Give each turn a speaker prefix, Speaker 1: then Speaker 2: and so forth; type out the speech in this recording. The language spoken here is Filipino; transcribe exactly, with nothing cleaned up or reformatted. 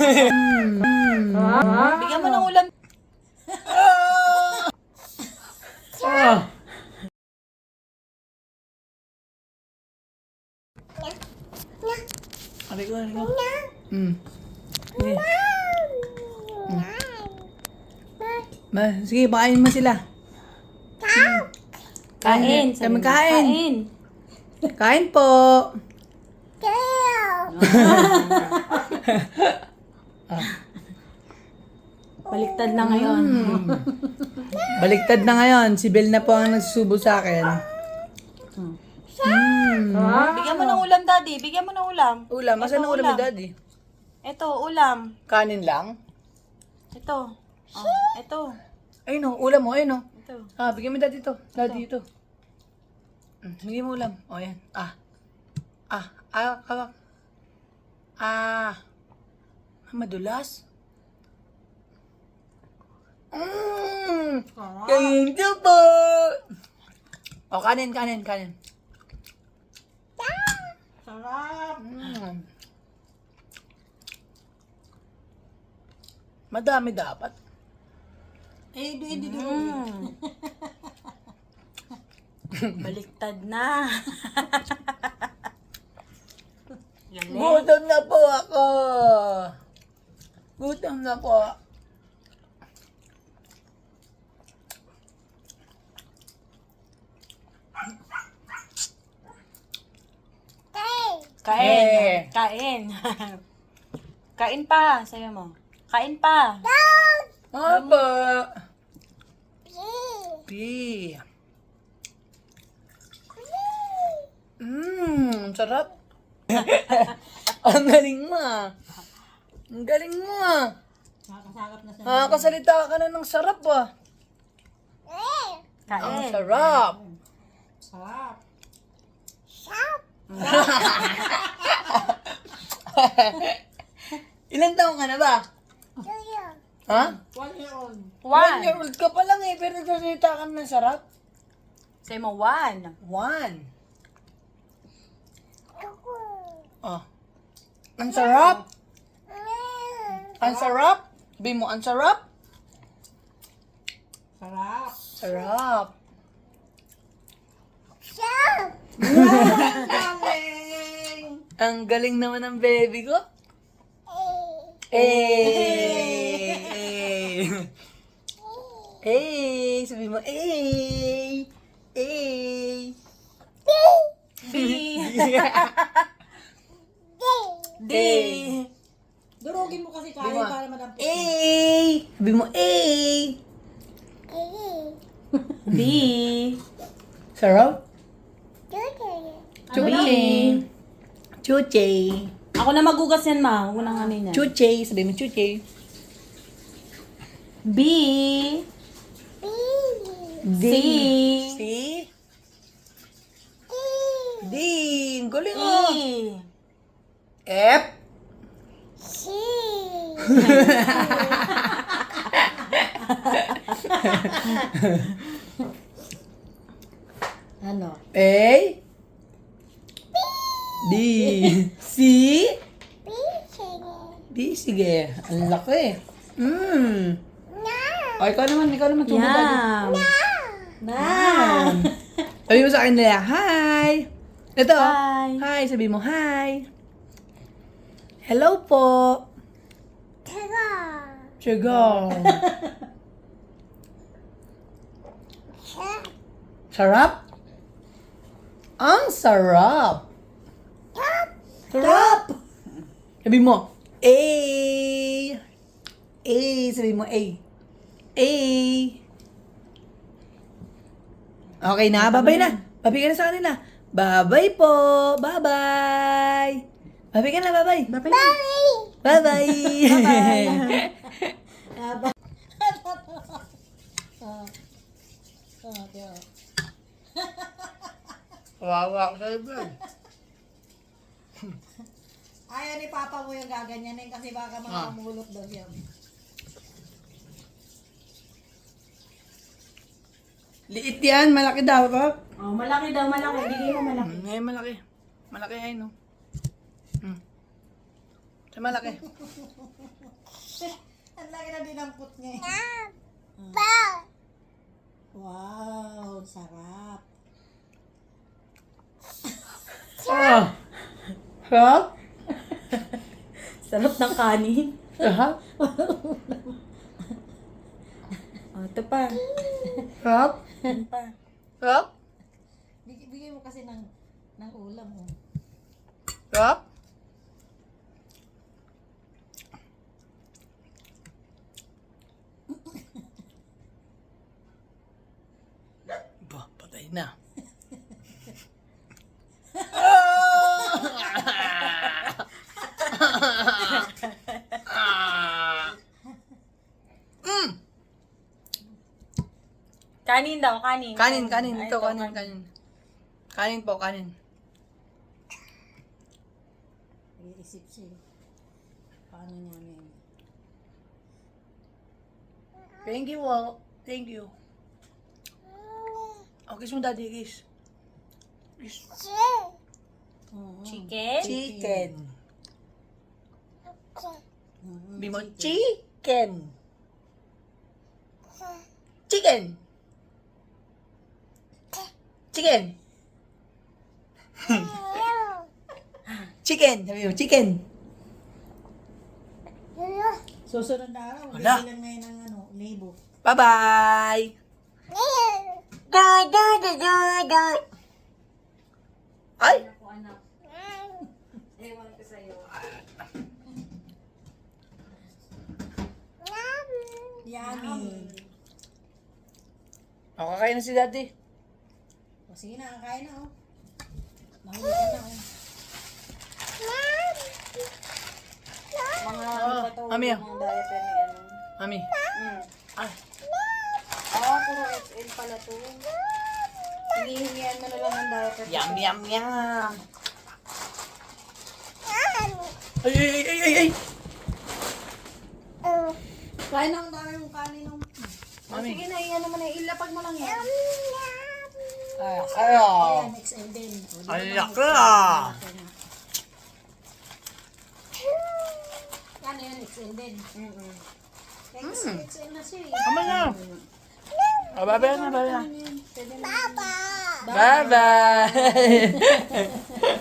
Speaker 1: Bigyan mo ng ulam.
Speaker 2: Ah. Ari ko, ari ko. Mm. Sige. Mm. Ba, sige, pakainin mo sila.
Speaker 1: Kain.
Speaker 2: Kaya magkain.
Speaker 1: Kain.
Speaker 2: Kain po.
Speaker 1: Baliktad na ngayon.
Speaker 2: Mm. Baliktad na ngayon. Si Bel na po ang nagsusubo sa akin. Mm.
Speaker 1: Bigyan mo ng ulam, Daddy. Bigyan mo ng ulam.
Speaker 2: Ulam, asan
Speaker 1: Ito,
Speaker 2: ang ulam ni
Speaker 1: ulam.
Speaker 2: Daddy?
Speaker 1: Ito, ulam.
Speaker 2: Kanin lang?
Speaker 1: Ito. Oh, ito.
Speaker 2: Ayun o, ulam mo, ayun o.
Speaker 1: Ito.
Speaker 2: Ah, bigyan mo Daddy ito. Daddy ito. Mm, bigyan mo ulam. O, yan. Ah. Ah, ah, kawak. Ah. Madulas. Mmm. Thank you po. O, kanin, kanin, kanin.
Speaker 1: Sarap.
Speaker 2: Mm. Madami dapat.
Speaker 1: Eh, di, di, di. Baliktad na. Galing.
Speaker 2: Gutom na po ako. Gutom na po.
Speaker 1: Kain.
Speaker 2: Eh.
Speaker 1: Kain. Kain pa. Sayo mo. Kain pa.
Speaker 2: Apa? P. Mmm, sarap. Ang galing mo ah. Ang galing mo ah.
Speaker 1: Nakakasakap na
Speaker 2: Nakakasalita ka na ng sarap ah. Ang
Speaker 1: Kain.
Speaker 2: sarap.
Speaker 1: Sarap.
Speaker 2: Ilan taong ka na ba? Ha?
Speaker 1: One year old.
Speaker 2: One
Speaker 1: One.
Speaker 2: year old ka pa lang eh, pero nagsasalita ka na ng sarap.
Speaker 1: Sayo mo, one.
Speaker 2: One. Oh. Ang sarap. Ang sarap. Sabi mo, ang sarap.
Speaker 1: Sarap.
Speaker 2: Sarap. Ang galing naman ng baby ko. Eh. Eh. Eh. Sabi mo, eh. Eh.
Speaker 1: B. D.
Speaker 3: Durugin mo kasi
Speaker 2: Sabi
Speaker 3: kain
Speaker 2: mo,
Speaker 3: para madampot.
Speaker 2: eh. Sabi mo, eh.
Speaker 1: B.
Speaker 2: Sarap.
Speaker 1: B.
Speaker 2: Chuche. Chuche.
Speaker 1: Ako na magugas yan, ma. Huwag mo nang ano yan.
Speaker 2: Chuche. Sabi mo, chuche.
Speaker 1: B.
Speaker 2: D.
Speaker 1: C.
Speaker 2: C. D. Ang galing
Speaker 1: E.
Speaker 2: oh. F.
Speaker 3: Ano?
Speaker 2: A. D. C. D. Sige. Ang laki. Mm. O, ikaw naman. Ikaw naman. Tumulad.
Speaker 1: Yum.
Speaker 3: Na!
Speaker 2: Sabi mo sa akin nila, hi! Ito. oh.
Speaker 1: Hi.
Speaker 2: Hi. Sabi mo, hi. Hello po. Sugar. Sarap? Ang sarap. Sarap. Sabi mo, A. A. Sabi mo, A. A. Okay na, babay na. Babay ka na sa kanila. Babay po. Babay. Babay ka na, babay.
Speaker 1: Babay.
Speaker 2: Babay. Wawa ka sa ibig.
Speaker 3: Ayaw ni Papa mo yung gaganyanin kasi baka
Speaker 2: Ah.
Speaker 3: makamulot daw siya.
Speaker 2: Liit yan, malaki daw, Pap.
Speaker 1: Oh, malaki daw, malaki. Bigay mo malaki.
Speaker 2: Mm, eh, malaki. Malaki ay, no? Hmm. Sa malaki.
Speaker 3: Ang laki na dinampot niya eh. Wow, sarap.
Speaker 2: Ah! Sarap?
Speaker 1: Sarap ng kanin.
Speaker 2: Sarap?
Speaker 1: Oh, ito pa.
Speaker 2: Sarap?
Speaker 1: Ito pa.
Speaker 2: Sarap?
Speaker 3: Big- Bigay mo kasi ng, ng ulam oh.
Speaker 2: Sarap? Ba, patay na. Mm.
Speaker 1: Kanin daw, kanin.
Speaker 2: Kanin, kanin.
Speaker 1: Ay,
Speaker 2: Ito, kanin, kanin. Kanin po, kanin.
Speaker 3: Iisip siya. eh. Paano niya yan?
Speaker 2: Thank you, oh. Thank you. Oh, kiss mo, daddy, kiss. Kiss.
Speaker 3: Oo.
Speaker 1: Chicken?
Speaker 2: Chicken.
Speaker 3: Mhm.
Speaker 2: Bimo, chicken. Chicken. Chicken. Chicken. Sabi mo, chicken.
Speaker 3: Susunod na araw,
Speaker 2: Wala.
Speaker 3: bibilang ngayon ng ano, libo.
Speaker 2: Bye-bye. Gar, gar, gar, gar, gar. Ay!
Speaker 1: Ako, anak. Ewan ko sa'yo.
Speaker 3: Yummy.
Speaker 2: O, kakain na si daddy.
Speaker 3: O sige na, kakain na oh. Mahuli ka na oh.
Speaker 1: Mga
Speaker 2: Oh,
Speaker 1: ano pa to,
Speaker 2: mami, ah.
Speaker 1: mga diaper ni ano.
Speaker 2: Mami.
Speaker 1: Mm.
Speaker 2: Ay.
Speaker 1: Ah, puro X L pala to. Hinihingian mo na lang ng diaper.
Speaker 2: Yum, yum, yum. Ay, ay, ay, ay, ay, ay.
Speaker 3: Kain na ang dami mong kanin oh.
Speaker 1: Oh, sige na, iyan naman na, ilapag mo lang yan.
Speaker 2: Ay, ayo.
Speaker 3: Ayan, X L din. O, di ba
Speaker 2: Ay,
Speaker 3: bang
Speaker 2: laki
Speaker 3: X L?
Speaker 2: ah.
Speaker 3: Laki na. Yan, yan, X L din.
Speaker 1: Mm-mm.
Speaker 3: Kaya kasi X L na siya eh.
Speaker 2: Tama na. O, bye-bye na, bye-bye na.
Speaker 3: Pwede na.
Speaker 2: Bye-bye.